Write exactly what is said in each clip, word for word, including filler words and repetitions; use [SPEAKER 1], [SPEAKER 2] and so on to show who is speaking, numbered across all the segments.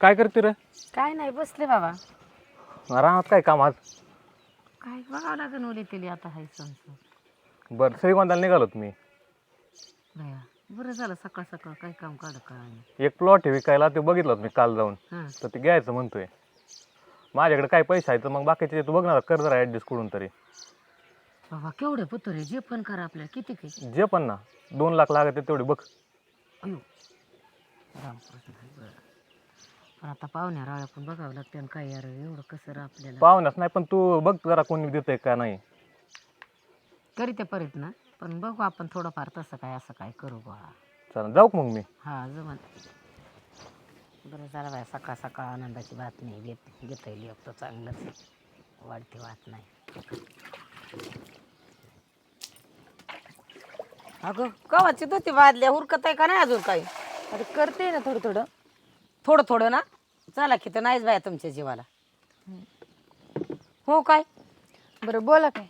[SPEAKER 1] काय करते रे?
[SPEAKER 2] काय नाही बसले बाबा.
[SPEAKER 1] राहत काय काम आज?
[SPEAKER 2] काय बघावं लागेल ओली केली आता हाय संसार.
[SPEAKER 1] बरं श्रीगोंदाला निघालो तुम्ही.
[SPEAKER 2] बया बरं झालं सकाळ सकाळ काय काम काढ काय.
[SPEAKER 1] एक प्लॉट आहे विकायला, ते बघितलं मी काल जाऊन.
[SPEAKER 2] हां
[SPEAKER 1] तर ते घ्यायचं म्हणतोय. माझ्याकडे काय पैसे आहे तर मग बाकीचे तू बघ ना, कर जरा ॲडजस्ट करून तरी.
[SPEAKER 2] बाबा केवढे पुत्र आहे, जे पण करा आपल्याला किती काही.
[SPEAKER 1] जे पण ना दोन लाख लागत तेवढे बघ.
[SPEAKER 2] अयो रामकृष्ण हरी. बरं पण आता पाहुण्या राळ्या पण बघावं लागते आणि काय यार एवढं कसं रा आपल्याला
[SPEAKER 1] पाहुण्यास नाही, पण तू बघ जरा कोणी देतंय का नाही.
[SPEAKER 2] तरी ते परत ना, पण बघू आपण थोडंफार तसं काय असं काय करू बा.
[SPEAKER 1] चला जाऊ का मग मी?
[SPEAKER 2] हा जमन. बरं झालं बाय, सकाळ सकाळ आनंदाची बातमी घेत घेता येईल एक तर चांगलंच. वाढती वाट नाही. अगं कवाची धुती बादल्या हुरकत आहे का नाही अजून काही?
[SPEAKER 3] आता करते ना थोडं थोडं.
[SPEAKER 2] थोडं थोडं ना. चला की तर नाहीच बाया तुमच्या जीवाला. हो काय?
[SPEAKER 3] बरं बोला काय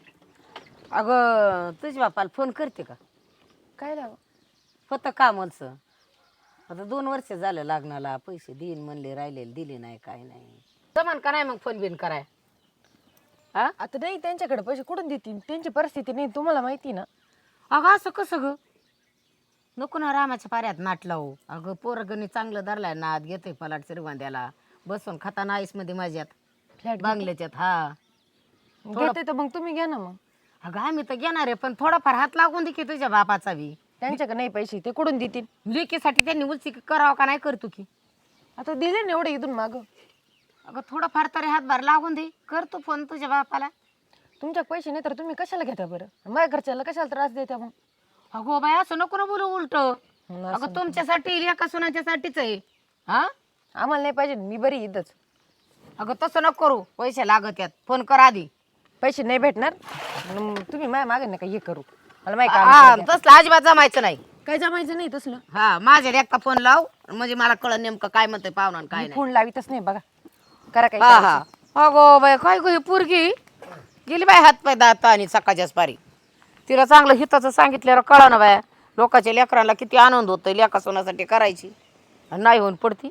[SPEAKER 2] अगं तुझ्या बापाला फोन करते का?
[SPEAKER 3] काय लाव
[SPEAKER 2] होतं कामचं. आता दोन वर्ष झालं लग्नाला, पैसे देईन म्हणले राहिलेले दिले नाही काय नाही. जमान का नाही मग फोन बिन कराय? हा
[SPEAKER 3] आता नाही, त्यांच्याकडे पैसे कुठून देतील, त्यांची परिस्थिती नाही तुम्हाला माहिती ना.
[SPEAKER 2] अगं असं कसं ग? नको ना रामाच्या पाऱ्यात नाट लावू. अगं पोरगणी चांगलं धरलाय नाद घेतोय पलाट श्रीगोंद्याला बसून खाता नाईस मध्ये माझ्यात
[SPEAKER 3] फ्लॅट
[SPEAKER 2] बांगल्याच्यात. हा
[SPEAKER 3] घेते तर मग तुम्ही घ्या ना. मग
[SPEAKER 2] अगं आम्ही तर घेणार आहे, पण थोडाफार हात लागून दे की तुझ्या बापाचा बी.
[SPEAKER 3] त्यांच्याकडे नाही पैसे, ते कुठून देतील?
[SPEAKER 2] लेकीसाठी त्यांनी उलची करावं का नाही करतो की.
[SPEAKER 3] आता दिले ना एवढे इथून माग.
[SPEAKER 2] अगं थोडाफार तरी हातभार लागून दे. करतो फोन तुझ्या बापाला.
[SPEAKER 3] तुमच्या पैसे नाही तर तुम्ही कशाला घेता बरं? माझ्या घरच्याला कशाला त्रास देता मग?
[SPEAKER 2] अगो बाय असं नको ना बोलू उलट.
[SPEAKER 3] असं
[SPEAKER 2] अगं तुमच्यासाठी एका सुनाच्यासाठीच आहे. हा
[SPEAKER 3] आम्हाला नाही पाहिजे, मी बरी इथंच.
[SPEAKER 2] अगं तसं नको करू, पैसे लागत यात. फोन कर आधी.
[SPEAKER 3] पैसे नाही भेटणार मग तुम्ही माझ्या मागे नका हे करू. मला माहिती
[SPEAKER 2] हा
[SPEAKER 3] काम
[SPEAKER 2] तसलं अजिबात जमायचं नाही.
[SPEAKER 3] काय जमायचं नाही तसलं.
[SPEAKER 2] हा माझ्या एकटा फोन लाव म्हणजे मला कळलं नेमकं काय म्हणतंय पाहुणा काय नाही.
[SPEAKER 3] फोन लावितच नाही बघा. करा काय
[SPEAKER 2] हा हा अगो बाय काय गो ही पोरगी गेली बाय हात पाय दात आणि सकाळच्याच पारी. तिला चांगलं हिताचं सांगितल्यावर कळा ना बाया. लोकांच्या लेकरांना किती आनंद होतोय लेका सोनासाठी करायची आणि नाही होऊन पडती.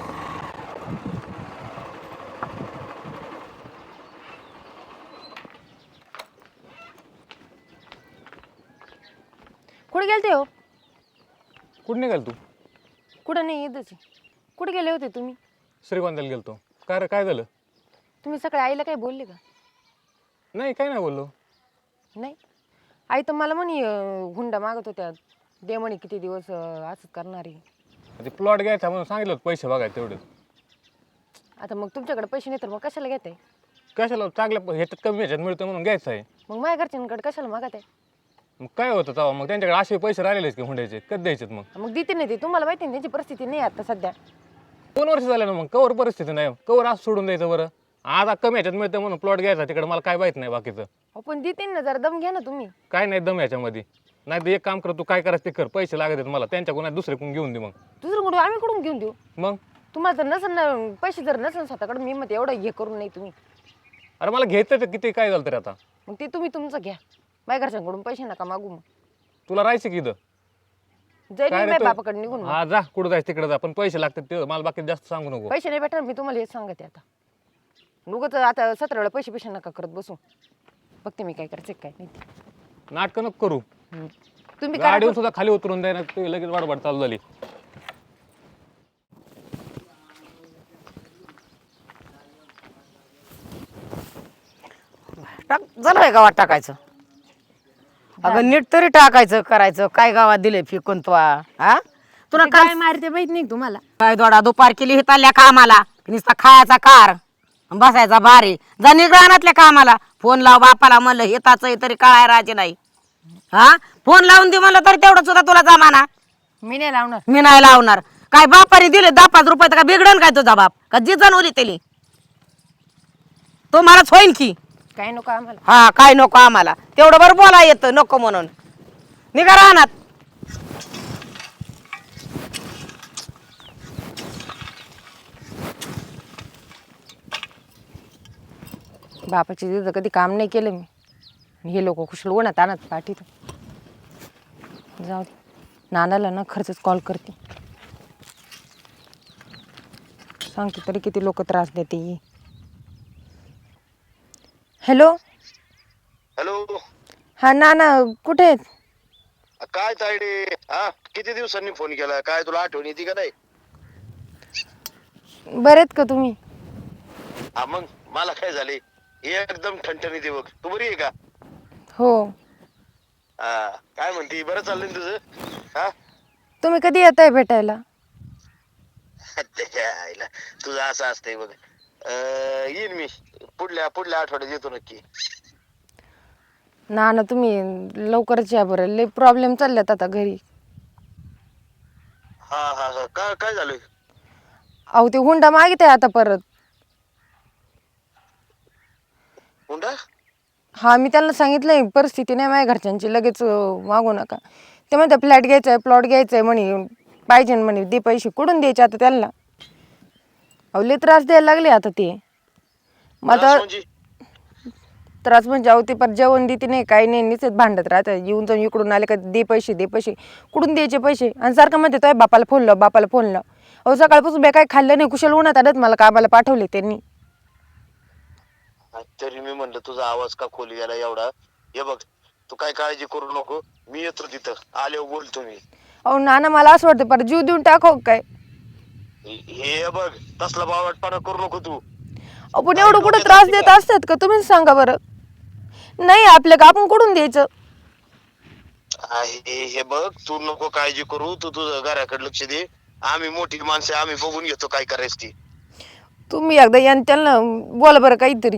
[SPEAKER 3] कुठे गेलते हो?
[SPEAKER 1] कुठं निघाल तू?
[SPEAKER 3] कुठं नाही इथंच आहे. कुठे गेले होते तुम्ही?
[SPEAKER 1] श्रीगोंदाला गेलतो. काय रे काय झालं?
[SPEAKER 3] तुम्ही सकाळी आईला काही बोलले का?
[SPEAKER 1] नाही काय नाही बोललो.
[SPEAKER 3] नाही. आई तर मला म्हणे अं, हुंडा मागत होत्या, दे म्हणे किती दिवस अं, असंच करणार आहे.
[SPEAKER 1] ते प्लॉट घ्यायचा म्हणून सांगितलं होतं, पैसे बघायचे तेवढेच.
[SPEAKER 3] आता मग तुमच्याकडे पैसे नाही तर मग कशाला घेत आहे?
[SPEAKER 1] कशाला चांगल्या ह्याच्यात कमी ह्याच्यात मिळतं म्हणून घ्यायचं आहे.
[SPEAKER 3] मग माझ्या घरच्यांकडे कशाला मागत आहे?
[SPEAKER 1] मग काय होतं तेव्हा? मग त्यांच्याकडे असे पैसे राहिलेच की हुंड्याचे, कधी द्यायचे मग?
[SPEAKER 3] मग देते नाही ते, तुम्हाला माहिती ना त्यांची परिस्थिती नाही आता सध्या.
[SPEAKER 1] दोन वर्ष झाले ना, मग कवर परिस्थिती नाही, कवर असं सोडून द्यायचं बरं? आता कमी ह्याच्यात मिळतं म्हणून प्लॉट घ्यायचा, तिकडे मला काय माहित नाही बाकीचं.
[SPEAKER 3] हो पण देते ना, जरा दम घ्या ना तुम्ही.
[SPEAKER 1] काय नाही दम ह्याच्यामध्ये. नाही तर एक काम कर, तू काय करायचं ते कर, पैसे लागत आहेत मला त्यांच्याकडून, दुसरे कोण घेऊन दे मग.
[SPEAKER 3] दुसरं कुठून आम्ही कुठून घेऊन देऊ?
[SPEAKER 1] मग
[SPEAKER 3] तुम्हाला जर नसेल ना पैसे, जर नसेल स्वतःकडे, मी मग एवढं हे करून नाही तुम्ही.
[SPEAKER 1] अरे मला घ्यायचं तर किती काय झालं तरी आता.
[SPEAKER 3] मग ते तुम्ही तुमचं घ्या, माझ्या घरच्यांकडून पैसे नका मागू. मग
[SPEAKER 1] तुला राहायचं की इथं?
[SPEAKER 3] जाईल
[SPEAKER 1] काय रे
[SPEAKER 3] माझ्या
[SPEAKER 1] तू?
[SPEAKER 3] बापाकडे निघून. मग
[SPEAKER 1] हा जा, कुठं जायचं तिकडे जा, पण पैसे लागतात ते मला बाकी जास्त सांगू नको.
[SPEAKER 3] पैसे नाही भेटणार, मी तुम्हाला हेच सांगते आता. उगाच आता सतरा वेळा पैसे पैसे नका करत बसू. बघते मी काय करायचं काय नाही ते.
[SPEAKER 1] नाटकं नको करू.
[SPEAKER 3] हम्म. तुम्ही करा.
[SPEAKER 1] गाडीवर सुद्धा खाली उतरून द्यायला तू लगेच वाडवाड चालू झाली.
[SPEAKER 2] टाक झालं गावात टाकायचं. अगं नीट तरी टाकायचं करायचं. काय गावात दिले फिकून तो हा तुला
[SPEAKER 3] ते
[SPEAKER 2] काय
[SPEAKER 3] काय मारते माहित नाही तुम्हाला.
[SPEAKER 2] काय दोडा दुपार केली हिताल्या कामाला नुसता खायचा कार बसायचा भारी. जा निघाणातल्या कामाला. फोन लाव बापाला म्हणलं हिताचं तरी काय राजे नाही. हा फोन लावून दे म्हणलं तरी तेवढं सुद्धा तुला जमाना.
[SPEAKER 3] मी नाही लावणार.
[SPEAKER 2] मी नाही लावणार. काय बापाने दिले दहा पाच रुपये तर का बिघडन काय तुझा बाप का जी जाणवली त्याली तो मलाच होईन की.
[SPEAKER 3] काय नको आम्हाला.
[SPEAKER 2] हा काय नको आम्हाला तेवढं बरं बोला येतं नको म्हणून निघा राहणार.
[SPEAKER 3] बापाची तिथं कधी काम नाही केलं मी. हे लोक कुशल उन्हात आणत पाठीत. जाऊ दे, नानाला ना खर्चच कॉल करते. सांगते तरी किती लोक त्रास देते. हॅलो.
[SPEAKER 4] हॅलो.
[SPEAKER 3] हा ना ना कुठे आहेत?
[SPEAKER 4] काय तायडे, हा किती दिवसांनी फोन केला, काय तुला आठवण येते का नाही?
[SPEAKER 3] बरे आहेत का तुम्ही?
[SPEAKER 4] हा मग मला काय झाले, एकदम ठणठणीत आहे बघ. तू बरी आहे का?
[SPEAKER 3] हो.
[SPEAKER 4] हा काय म्हणते, बरं चाललंय ना तुझं? हा
[SPEAKER 3] तुम्ही कधी येताय भेटायला?
[SPEAKER 4] त्याच्या आईला तुझं असं असतंय बघ. अं, येईन मी पुढल्या पुढल्या आठवड्यात येतो नक्की.
[SPEAKER 3] ना ना तुम्ही लवकरच या बरं, लय प्रॉब्लेम चालल्यात आता घरी.
[SPEAKER 4] हा हा हा काय काय झालं?
[SPEAKER 3] अहो ते हुंडा मागित आहे आता परत.
[SPEAKER 4] हुंडा?
[SPEAKER 3] हा मी त्यांना सांगितलंय परिस्थिती नाही माझ्या घरच्यांची, लगेच अं, मागू नका. ते म्हणते फ्लॅट घ्यायचा आहे, प्लॉट घ्यायचा आहे म्हणे, पाहिजे म्हणे, दे पैसे. कुठून द्यायचे आता त्यांना? अहो लय त्रास द्यायला लागले आता ते. मग
[SPEAKER 4] त्रास
[SPEAKER 3] आता
[SPEAKER 4] म्हणजे?
[SPEAKER 3] त्रास म्हणजे अहो ते पर जेवण देते नाही, काही नाही, निचत भांडत राहतात. येऊन जाऊन इकडून आले का दे पैसे दे पैसे. कुठून द्यायचे पैसे? आणि सारखं म्हणते तो बापाला फोन लाव, बापाला फोन लाव. अहो सकाळपासून बे काय खाल्लं नाही, कुशल उन्हात आडत मला कामाला पाठवले त्यांनी.
[SPEAKER 4] तरी मी म्हणलं तुझा आवाज का खोली गेला एवढा. हे बघ तू काय काळजी करू नको, मी येतो तिथं, आल्यावर बोलतो मी.
[SPEAKER 3] अहो नाना मला असं वाटतं पर जीव देऊन टाकाव काय.
[SPEAKER 4] हे बघ तसला बावटपणा करू नको तू.
[SPEAKER 3] आपण
[SPEAKER 4] काय
[SPEAKER 3] एवढं कुठं
[SPEAKER 4] डोक्यात
[SPEAKER 3] त्रास
[SPEAKER 4] आलती
[SPEAKER 3] देत
[SPEAKER 4] का?
[SPEAKER 3] असतात का तुम्हीच सांगा बरं. नाही आपलं का आपण कुठून द्यायचं?
[SPEAKER 4] आहे हे बघ, तू नको काळजी करू, तू तुझं घराकडे लक्ष दे. आम्ही मोठी माणसं, आम्ही बघून घेतो काय करायचं ती.
[SPEAKER 3] तुम्ही एकदा या आणि त्यांना बोला बरं काहीतरी.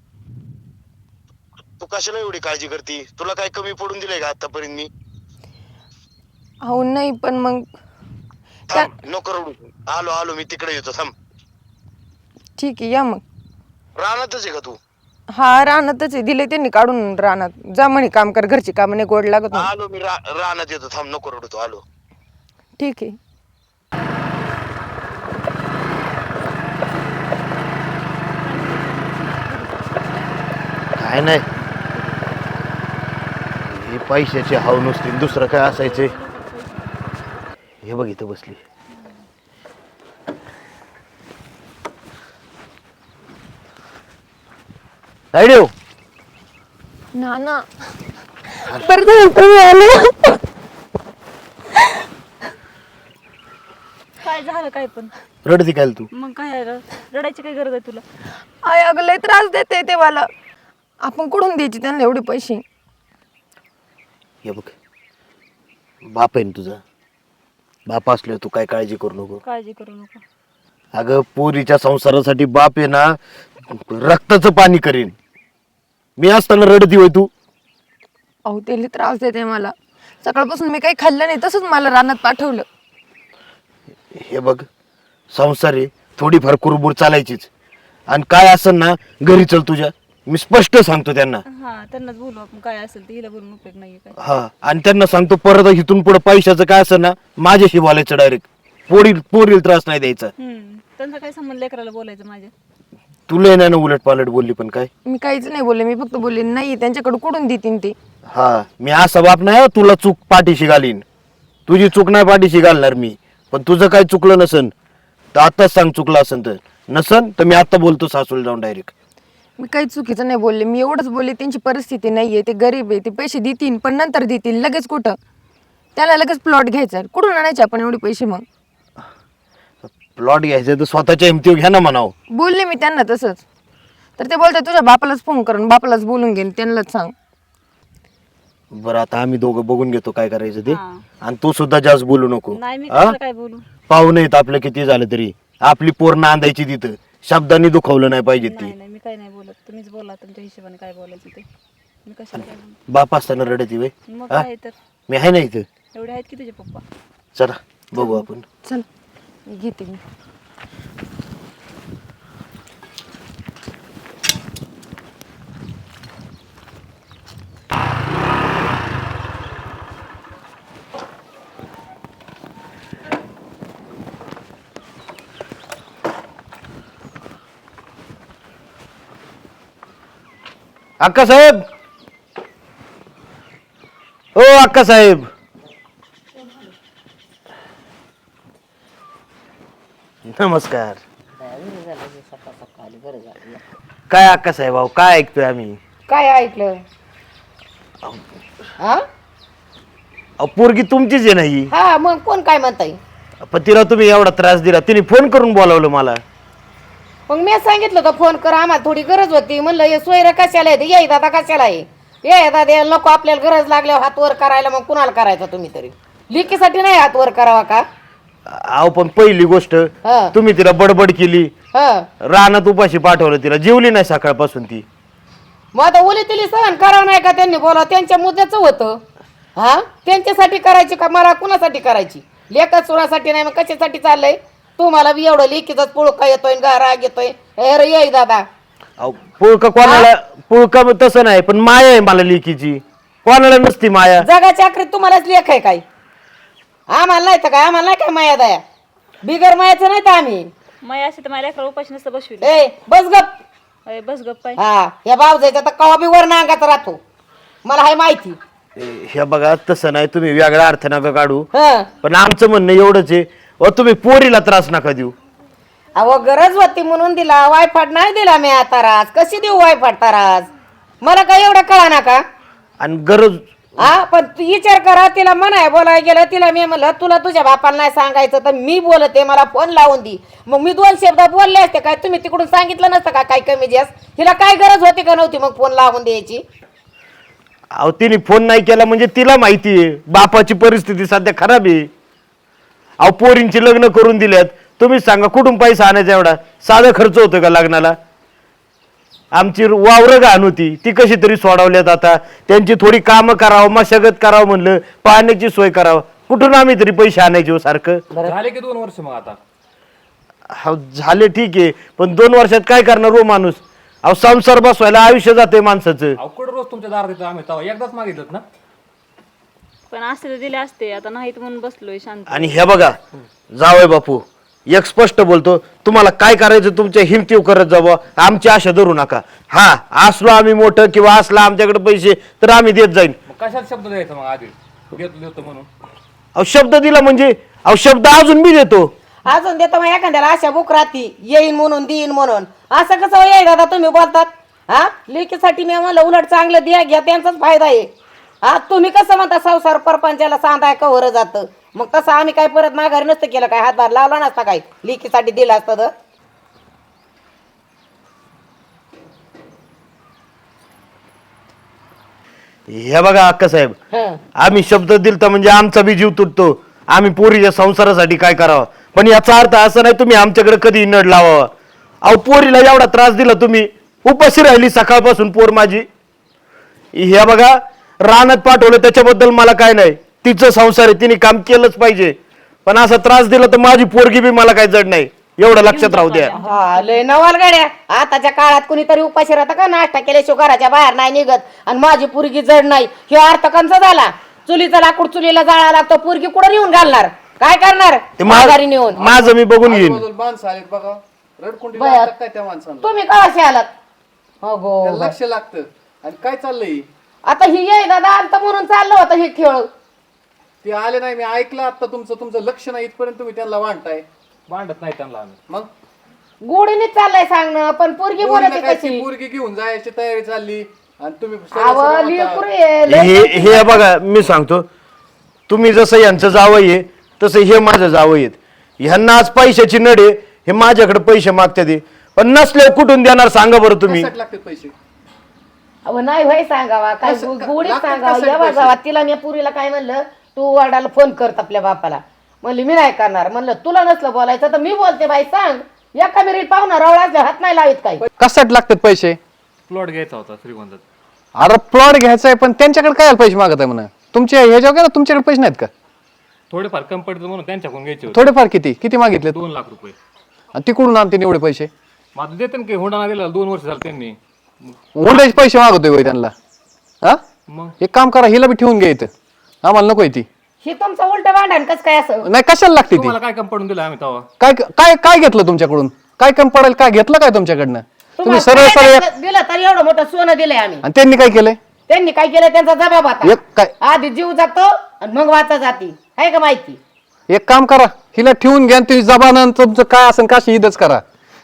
[SPEAKER 4] तू कशाला एवढी काळजी करते? तुला काय कमी पडून दिलंय का आतापर्यंत मी?
[SPEAKER 3] अहो नाही पण मग त्या
[SPEAKER 4] थांब नको रडू, आलो आलो मी तिकडे येतो, थांब.
[SPEAKER 3] ठीक आहे या मग.
[SPEAKER 4] रानातच आहे का तू?
[SPEAKER 3] हा रानातच आहे, दिले त्यांनी काढून रानात. जा म्हणे काम कर, घरची कामं नाही गोड लागत म्हणे.
[SPEAKER 4] आलो मी रा- रानात येतो, थांब नको रडू तू, आलो.
[SPEAKER 3] ठीक आहे.
[SPEAKER 4] काय नाही, हे पैशाची हाव नुसती, दुसरं काय असायचे. हे बघ इथं बसली. रायडेव
[SPEAKER 3] ना ना बरं झालं तुम्ही आले.
[SPEAKER 5] काय झालं काय पण?
[SPEAKER 4] रडती काय तू?
[SPEAKER 5] मग काय र- रडायची काय गरज आहे तुला?
[SPEAKER 3] आय अगं लय त्रास देते ते मला. आपण कुठून द्यायचे त्यांना एवढे पैसे?
[SPEAKER 4] हे बघ बाप आहे ना तुझा, बाप असल्यावर तू काय काळजी करू नको.
[SPEAKER 5] काळजी करू नको.
[SPEAKER 4] अगं पोरीच्या संसारासाठी बाप आहे ना रक्ताचं पाणी करीन. मी असताना रडती होय तू?
[SPEAKER 3] अहो ते लय त्रास देते मला. सकाळपासून मी काही खाल्लं नाही, तसंच मला रानात पाठवलं.
[SPEAKER 4] हे बघ संसार आहे, थोडीफार कुरबुर चालायचीच. आणि काय असेल ना घरी चल तुझ्या, मी स्पष्ट सांगतो त्यांना.
[SPEAKER 5] हा त्यांनाच बोलू आपण, काय असेल ते हिला बोलून उपयोग नाहीये काय.
[SPEAKER 4] हा आणि त्यांना सांगतो परत इथून पुढे पैशाचं काय असेल ना माझ्याशी बोलायचं डायरेक्ट. पोरी पोरील त्रास नाही द्यायचा.
[SPEAKER 5] हम्म त्यांचा काय संबंध लेकराला बोलायचं माझ्या?
[SPEAKER 4] तुला नाही ना उलट पालट बोलली पण काय.
[SPEAKER 3] मी काहीच नाही बोलले, मी फक्त बोलले नाही त्यांच्याकडे कुठून देतीन ते.
[SPEAKER 4] हा मी असा बाप नाही हो, तुला चूक पाठीशी घालीन. तुझी चूक नाही पाठीशी घालणार मी, पण तुझं काय चुकलं नसन तर आताच सांग, चुकलं असन तर. नसन तर मी आता बोलतो सासूला जाऊन डायरेक्ट.
[SPEAKER 3] मी काही चुकीचं नाही बोलले, मी एवढंच बोलले त्यांची परिस्थिती नाहीये, ते गरीब आहे, ते पैसे देतील पण नंतर देतील, लगेच कुठं. त्याला लगेच प्लॉट घ्यायचा आहे. कुठून आणायचे आपण एवढे पैसे? मग
[SPEAKER 4] प्लॉट घ्यायचं तर स्वतःच्या हिमतीवर घ्या ना म्हणाव.
[SPEAKER 3] बोलले मी त्यांना तसंच. तर ते बोलतात तुझ्या बापालाच फोन करून बापालाच बोलून घेईन, त्यांनाच सांग.
[SPEAKER 4] बरं आता आम्ही दोघं बघून घेतो काय करायचं ते.
[SPEAKER 5] हा.
[SPEAKER 4] आणि तू सुद्धा जास्त बोलू नको.
[SPEAKER 5] नाही मी
[SPEAKER 4] हा?
[SPEAKER 5] कशाला काय बोलू?
[SPEAKER 4] पाहुणे आहेत आपलं किती झालं तरी, आपली पोर नांदायची तिथं, शब्दांनी दुखवलं नाही पाहिजे ती.
[SPEAKER 5] नाही नाही मी काय नाही बोलत, तुम्हीच बोला तुमच्या हिशोबाने काय बोलायचं ते. मी कशाला काय बोलू?
[SPEAKER 4] बाप असताना रडती वे.
[SPEAKER 5] मग काय तर
[SPEAKER 4] मी आहे ना इथं.
[SPEAKER 5] एवढे आहेत की तुझे पप्पा.
[SPEAKER 4] चला बघू आपण.
[SPEAKER 3] चल मी घेते मी.
[SPEAKER 4] अक्का साहेब, ओ अक्का साहेब. नमस्कार. काय अक्का साहेब भाऊ काय ऐकतोय आम्ही?
[SPEAKER 2] काय ऐकलं? हा
[SPEAKER 4] अहो, पोरगी तुमचीच आहे नाही,
[SPEAKER 2] हा मग कोण काय म्हणताय?
[SPEAKER 4] पण तिला तुम्ही एवढा त्रास दिला, तिने फोन करून बोलावलं मला.
[SPEAKER 2] मग मी सांगितलं होतं फोन कर, आम्हाला थोडी गरज होती. म्हणलं हे सोयरं कशाला आहे, ये दादा कशाला आहे, ये दादा नको आपल्याला गरज लागल्यावर हात वर करायला. मग कुणाला करायचा तुम्ही तरी? लिकीसाठी नाही हात वर करावा का?
[SPEAKER 4] अहो पण पहिली गोष्ट
[SPEAKER 2] हा.
[SPEAKER 4] तुम्ही तिला बडबड केली,
[SPEAKER 2] हा
[SPEAKER 4] रानात उपाशी पाठवलं, तिला जेवली नाही सकाळपासून ती.
[SPEAKER 2] मग आता ओली तिली सहन करावं नाही का त्यांनी? बोला त्यांच्या मुद्द्याचं होतं. हा त्यांच्यासाठी करायची का मला कुणासाठी करायची? लेखा चुरासाठी नाही. मग कशासाठी चाललंय? तुम्हाला बी एवढं लेकीचाच पुळका येतोय गा राग येतोय. हे रे ये दादा
[SPEAKER 4] अहो पुळका कोणाला, पुळका तसं नाही, पण माया आहे मला लेकीची, कोणाला नसती माया.
[SPEAKER 2] जगाच्या आखरीत तुम्हालाच लेख आहे काय? आम्हाला नाही तर काय? आम्हाला नाही काय माया दया? बिगर मायाचं नाही तर आम्ही.
[SPEAKER 5] माया अशी तर माझ्या लेकराला उपाशी नसतं बसविली.
[SPEAKER 2] ए बस गप.
[SPEAKER 5] अरे बस गप्प पाय.
[SPEAKER 2] हा या बावजायचा तर कवा बी वर नांगाचा राहतो, मला हाय माहिती.
[SPEAKER 4] हे बघा तसं नाही, तुम्ही वेगळा अर्थ नका काढू,
[SPEAKER 2] हं
[SPEAKER 4] पण आमचं म्हणणं एवढंच आहे, अहो तुम्ही पोरीला त्रास नका देऊ.
[SPEAKER 2] अहो गरज होती म्हणून दिला, वायफाट नाही दिला मी आता राज. कशी देऊ वायफाट ताराज? मला काय एवढं कळा ना का?
[SPEAKER 4] आणि गरज
[SPEAKER 2] हा पण तू विचार करा, तिला म्हणाय बोलाय गेलं, तिला मी म्हणलं तुला तुझ्या बापाला नाही सांगायचं तर मी बोलते, मला फोन लावून दी. मग मी दोन शब्द बोलले असते काय? तुम्ही तिकडून सांगितलं नसतं का काय कमी जास्त? तिला काय गरज होती का नव्हती मग फोन लावून द्यायची?
[SPEAKER 4] अहो तिने फोन नाही केला म्हणजे तिला माहिती आहे बापाची परिस्थिती सध्या खराब आहे. अहो पोरींची लग्न करून दिल्यात, तुम्ही सांगा कुठून पैसा आणायचा एवढा? साधा खर्च होतो का लग्नाला? आमची वावरं घाण होती ती कशी तरी सोडवल्यात, आता त्यांची थोडी कामं करावं, मशागत करावं म्हणलं, पाण्याची सोय करावं, कुठून आम्ही तरी पैसे आणायचे हो सारखं?
[SPEAKER 1] झाले की दोन वर्ष मग आता.
[SPEAKER 4] हा झाले ठीक आहे, पण दोन वर्षात काय करणार हो माणूस? अहो संसार बसवायला आयुष्य जाते माणसाचं.
[SPEAKER 1] अवकड रोज तुमच्या दारात येतो आम्ही, तेव्हा एकदाच मागितलं ना.
[SPEAKER 5] पण असते तर दिले असते, आता नाहीत म्हणून बसलोय शांत.
[SPEAKER 4] आणि हे बघा जावय बापू, एक स्पष्ट बोलतो, तुम्हाला काय करायचं तुमच्या हिमतीव करत जावं, आमची आशा धरू नका. हा असलो आम्ही मोठं किंवा असला आमच्याकडे पैसे तर आम्ही देत जाईन.
[SPEAKER 1] मग कशात शब्द द्यायचा मग आधी? घेतो देतो म्हणून.
[SPEAKER 4] अहो शब्द दिला म्हणजे अहो शब्द अजून मी देतो.
[SPEAKER 2] अजून देतो मग एखाद्याला आशा बुक राहती, येईन म्हणून देईन म्हणून. असं कसं येईल दादा तुम्ही बोलतात? हा लेकीसाठी मी म्हणलं उलट चांगलं द्या घ्या, त्यांचाच फायदा आहे. हा तुम्ही कसं म्हणता संसार परपंचाला सांधाय कवर जातं, मग तसं आम्ही काय परत माघारी नसतं केलं काय? हातभार लावला नसता काय? लेकीसाठी दिलं असतं तर.
[SPEAKER 4] हे बघा अक्का साहेब,
[SPEAKER 2] हं.
[SPEAKER 4] आम्ही शब्द दिलता म्हणजे आमचा बी जीव तुटतो, आम्ही पोरीच्या संसारासाठी काय करावं, पण याचा अर्थ असं नाही तुम्ही आमच्याकडे कधी नड लावावा. अहो पोरीला एवढा त्रास दिला तुम्ही, उपाशी राहिली सकाळपासून पोर माझी. हे बघा रानात पाठवलं त्याच्याबद्दल मला काय नाही, तिचं संसार आहे, तिने काम केलंच पाहिजे, पण असा त्रास दिला तर माझी पोरगी बी मला काय जड नाही, एवढं लक्षात राहू द्या.
[SPEAKER 2] हा लय नवाल गाड्या. आताच्या काळात कुणीतरी उपाशी राहतं का? नाश्ता केल्याशिवाय घराच्या बाहेर नाही निघत. आणि माझी पोरगी जड नाही, हे अर्थ कंचा झाला? चुलीचा लाकूड चुलीला जाळा लागतो, पोरगी कुठं नेऊन घालणार? काय करणार?
[SPEAKER 4] ते
[SPEAKER 2] माघारी नेऊन.
[SPEAKER 4] मा- माझं मी बघून घेईन.
[SPEAKER 6] माणसं आलेत बघा, रडकुंडी
[SPEAKER 2] बरं.
[SPEAKER 6] लागतात काय त्या माणसांना?
[SPEAKER 2] तुम्ही कशी आलात? अगो
[SPEAKER 6] त्याला लक्ष लागतं. आणि काय चाललंय?
[SPEAKER 2] आता ही ये दादा आलता म्हणून चाललं होतं हे खेळ.
[SPEAKER 6] ते आले नाही, मी ऐकलं आता तुमचं तुमचं लक्ष नाही इथपर्यंत तुम्ही त्यांना वाढताय.
[SPEAKER 1] भांडत नाही त्यांना आम्ही.
[SPEAKER 6] मग
[SPEAKER 2] गोडीने चाललंय सांगणं, पण पोरगी बोलते
[SPEAKER 6] पोरीला काय ती
[SPEAKER 2] कशी?
[SPEAKER 6] पोरगी घेऊन जायची तयारी चालली आणि तुम्ही सरळ
[SPEAKER 2] अव
[SPEAKER 6] सरळ
[SPEAKER 2] लेकरू
[SPEAKER 6] म्हणता,
[SPEAKER 2] आहे, लय
[SPEAKER 4] हे हे बघा मी सांगतो, तुम्ही जसं यांचं जावई आहे तसं हे माझं जावई आहेत. ह्यांना आज पैशाची नड आहे, हे माझ्याकडे पैसे मागतात ते, पण नसले कुठून देणार सांगा बरं तुम्ही?
[SPEAKER 6] कशात लागतात पैसे?
[SPEAKER 2] अहो नाही होय सांगावा काय
[SPEAKER 6] कसं- का-
[SPEAKER 2] गोडीत
[SPEAKER 6] लागतात
[SPEAKER 2] सांगावं.
[SPEAKER 6] कशाला
[SPEAKER 2] जेव्हा
[SPEAKER 6] पैसे?
[SPEAKER 2] जावा तिला मी पुरीला काय म्हणलं, तू वडिलाला फोन करत आपल्या बापाला. म्हणली मी नाही करणार. म्हणलं तुला नसलं बोलायचं तर मी बोलते बाई, सांग. एका मिरीत पाहुणा रवळाचे हात नाही लावित काही.
[SPEAKER 7] कशासाठी लागतात पैसे?
[SPEAKER 1] प्लॉट घ्यायचा होता श्रीगोंदात.
[SPEAKER 7] अरे प्लॉट घ्यायचा आहे, पण त्यांच्याकडे काय पैसे मागत आहे म्हणा? तुमच्या ह्याच्यावर ना तुमच्याकडे पैसे नाहीत का?
[SPEAKER 1] थोडेफार कमी पडतं म्हणून त्यांच्याकडून घ्यायचे होते.
[SPEAKER 7] थोडेफार किती किती मागितले?
[SPEAKER 1] दोन लाख रुपये.
[SPEAKER 7] आणि तिकडून आणते एवढे पैसे?
[SPEAKER 1] माझं देते ना की हुंडा दिला दोन वर्ष झालं त्यांनी.
[SPEAKER 7] हुंड्याचे पैसे मागतोय होय त्यांना? हा
[SPEAKER 1] मग
[SPEAKER 7] एक काम करा, हिला बी ठेवून घ्या इथं, आम्हाला नको ती.
[SPEAKER 2] ही तुमचं उलट भांडण कस काय असं?
[SPEAKER 7] नाही कशाला लागते ती?
[SPEAKER 1] तुम्हाला काय कमी पडून दिलं आम्ही तेव्हा?
[SPEAKER 7] काय काय काय घेतलं तुमच्याकडून? काय कमी पडेल? काय घेतलं काय तुमच्याकडनं? तुम्ही
[SPEAKER 2] तुम्हाला
[SPEAKER 7] सरळ सरळ
[SPEAKER 2] काय
[SPEAKER 7] एक-
[SPEAKER 2] दिलं तर एवढं मोठं सोनं दिलंय आम्ही.
[SPEAKER 7] आणि त्यांनी काय केलंय?
[SPEAKER 2] त्यांनी काय केलं त्यांचा जबाब आता.
[SPEAKER 7] एक काय
[SPEAKER 2] आधी जीव जातो आणि मग वाचा जाती, आहे का माहिती?
[SPEAKER 7] एक काम करा, हिला ठेवून घ्या, तुम्ही जबान तुमचं काय असेल का इथंच करा.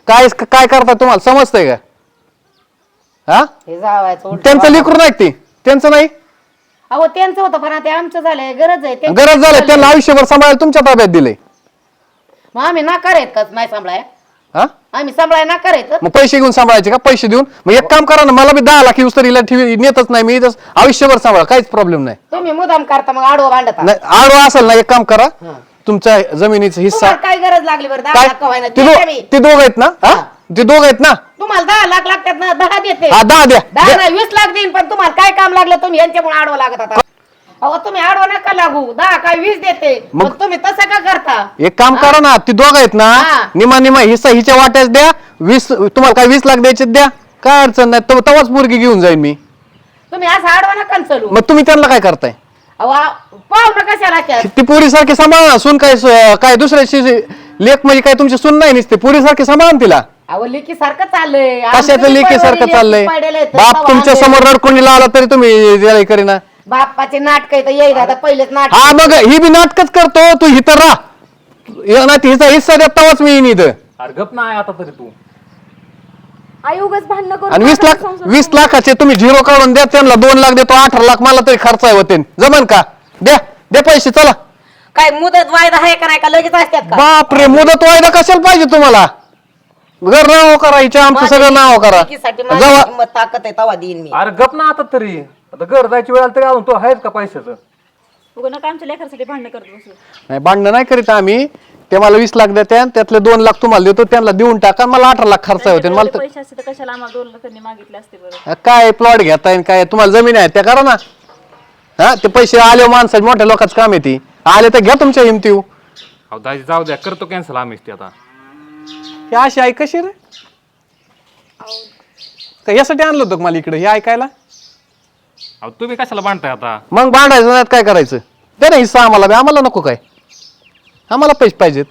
[SPEAKER 7] काय काय करता तुम्हाला समजतंय का? हा
[SPEAKER 2] हे जावायचं उलटं
[SPEAKER 7] त्यांचं लेकरू नाही ते त्यांचं नाही
[SPEAKER 2] अहो त्यांचं होतं पण आता आमचं झालंय गरज आहे त्यांची
[SPEAKER 7] गरज झालं त्यांना आयुष्यभर सांभाळायला तुमच्या ताब्यात दिले.
[SPEAKER 2] मग आम्ही नाकार आहेत का नाही सांभाळाय
[SPEAKER 7] हा
[SPEAKER 2] आम्ही सांभाळाय नाकार आहेत
[SPEAKER 7] मग पैसे घेऊन सांभाळायचे का? पैसे देऊन मग एक काम करा ना, मला बी दहा लाख येऊस तर हिला ठेवी नेतच नाही मी इथंच आयुष्यभर सांभाळ काहीच प्रॉब्लेम नाही.
[SPEAKER 2] तुम्ही मुदाम करता मग आडवं भांडता
[SPEAKER 7] नाही आडवा असेल ना एक काम करा तुमच्या जमिनीचा हिस्सा
[SPEAKER 2] तुम्हाला काय गरज लागली बरं दहा
[SPEAKER 7] काय
[SPEAKER 2] लाख व्हायला
[SPEAKER 7] ते दो- ते दोघ आहेत ना हा ते दोघ आहेत ना
[SPEAKER 2] तुम्हाला दहा लाख लागतात ना दहा देते
[SPEAKER 7] हा दहा द्या
[SPEAKER 2] दहा
[SPEAKER 7] द्या.
[SPEAKER 2] नाही वीस लाख देईन पण तुम्हाला काय काम लागलं तुम्ही यांच्यामुळे आडवं लागत आता अहो तुम्ही आडवं नका लागू दहा काय वीस देते
[SPEAKER 7] मग-
[SPEAKER 2] मग तुम्ही तसं का करता
[SPEAKER 7] एक काम करा ना ती दोघ आहेत ना
[SPEAKER 2] हा.
[SPEAKER 7] निमा निमा हिस्सा हिच्या वाट्याच द्या वीस तुम्हाला काय वीस लाख द्यायचे द्या काय अडचण नाही तेव्हा- तेव्हाच मुलगी घेऊन जाईन मी.
[SPEAKER 2] तुम्ही असं आडवं नका न चलू
[SPEAKER 7] मग तुम्ही त्यांना काय करताय?
[SPEAKER 2] अहो पाहू नका कशाला त्यात.
[SPEAKER 7] ती पोरी सारखी सांभाळा सून काय स- काय दुसऱ्याची लेख म्हणजे काय तुमची सून नाही नुसते पोरी सारखी सांभाळा ना तिला.
[SPEAKER 2] अहो लेकी सारखं चाललंय
[SPEAKER 7] कशाचं
[SPEAKER 2] आमचं
[SPEAKER 7] लेखी सारखं
[SPEAKER 2] परवडीने
[SPEAKER 7] चाललंय
[SPEAKER 2] पडेल आहेत.
[SPEAKER 7] बाप
[SPEAKER 2] तवा
[SPEAKER 7] तुमच्या
[SPEAKER 2] आम्ही-
[SPEAKER 7] समोर रडकुंडी लावला तरी तुम्ही त्याला हे करीना.
[SPEAKER 2] बाप्पाचे नाटक तर येईल आता पहिलेच नाटक
[SPEAKER 7] हा मग ही बी नाटकच करतो तू इथं राह ना हिचा हिस्सा द्या तेव्हाच मी येईन इथं.
[SPEAKER 1] अरे गप नाही आता तरी तू
[SPEAKER 5] आई उगाच भांडणं करून
[SPEAKER 7] आणि वीस
[SPEAKER 5] माझा
[SPEAKER 7] लाख
[SPEAKER 5] संसार
[SPEAKER 7] वीस लाखाचे तुम्ही झिरो काढून द्या त्यांना दोन लाख देतो अठरा लाख मला तरी खर्च आहे होते जमन का? द्या द्या पैसे चला.
[SPEAKER 2] काय मुदत वायदा आहे का नाही का लगेच असतात का
[SPEAKER 7] बापरे मुदत वायदा कशाला पाहिजे तुम्हाला? घर नाव करा हिच्या आमचं सगळं नाव करा
[SPEAKER 2] लेकीसाठी माझी
[SPEAKER 7] जेव्हा
[SPEAKER 2] किंमत ताकद आहे तवा देईन मी
[SPEAKER 1] अरे गप ना आता तरी आता घर जायची वेळ आली तरी अजून तो आहेच का पैशाचं?
[SPEAKER 5] उगा नका आमच्या लेकरासाठी भांडणं करत बसू.
[SPEAKER 7] नाही भांडणं नाही करीत आम्ही ते मला वीस लाख द्या त्यातले दोन लाख तुम्हाला देतो त्यांना देऊन टाका मला अठरा लाख खर्च होते मला
[SPEAKER 5] त्यांच्याकडे
[SPEAKER 7] तर-
[SPEAKER 5] पैसे असते तर कशाला आम्हाला दोन लाख त्यांनी मागितले असते बरं.
[SPEAKER 7] काय प्लॉट घेताय आणि काय तुम्हाला जमीन आहे त्या करा ना. हा ते पैसे आले माणसाचे मोठ्या लोकांचं काम येते आले तर घ्या तुमच्या हिमती.
[SPEAKER 1] अहो दाजी जाऊ द्या करतो कॅन्सल आम्हीच ते आता.
[SPEAKER 7] हे अशी ऐक कशी रे का यासाठी आणलं होतं का मला इकडे हे ऐकायला?
[SPEAKER 1] अहो तुम्ही कशाला बांधताय आता?
[SPEAKER 7] मग भांडायचं नाही काय करायचं? दे ना हिस्सा आम्हाला बी, आम्हाला नको काय आम्हाला पैसे पाहिजेत.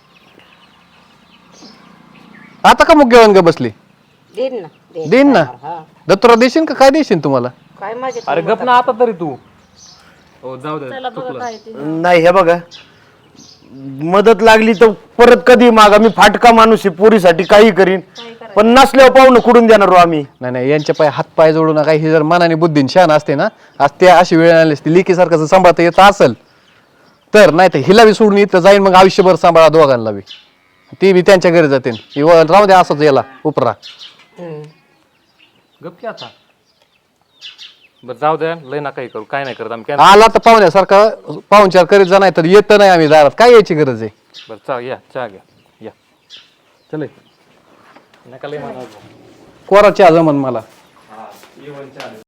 [SPEAKER 7] आता का मुख्य ग बसली
[SPEAKER 2] देईन ना देईन.
[SPEAKER 7] देईन ना
[SPEAKER 2] हा.
[SPEAKER 7] दत्तुरा देशील का काय देशील तुम्हाला?
[SPEAKER 2] काय माझे
[SPEAKER 1] अरे गप ना आता तरी तू. हो जाऊ दे
[SPEAKER 5] चला बघा काय ते.
[SPEAKER 4] नाही हे बघा मदत लागली तर परत कधी मागा मी फाटका माणूस आहे पोरीसाठी काही करीन पण नसल्यावर पाहुणं कुठून देणार हो आम्ही?
[SPEAKER 7] नाही नाही यांच्या पाय हात पाय जोडू नका ही जर मनाने बुद्धीन शान असते ना आज ते अशी वेळ आली असती लेकीसारखं जर सांभाळता येत असेल तर नाही तर हिला बी सोडून इथं जाईन मग आयुष्यभर सांभाळा दोघांना बी ती बी त्यांच्या घरी जाते राहू द्या असंच याला उपरा.
[SPEAKER 1] गप की आता. बरं जाऊ द्या लय ना काही करू काय नाही करत आम्ही cancel.
[SPEAKER 7] आला तर पाहुण्यासारखा पाहुणचार करीत जा नाही तर येत नाही आम्ही दारात काय यायची गरज आहे?
[SPEAKER 1] बरं चला या चहा घ्या या चल नका लय म्हणा.
[SPEAKER 7] कोराची आजमन मला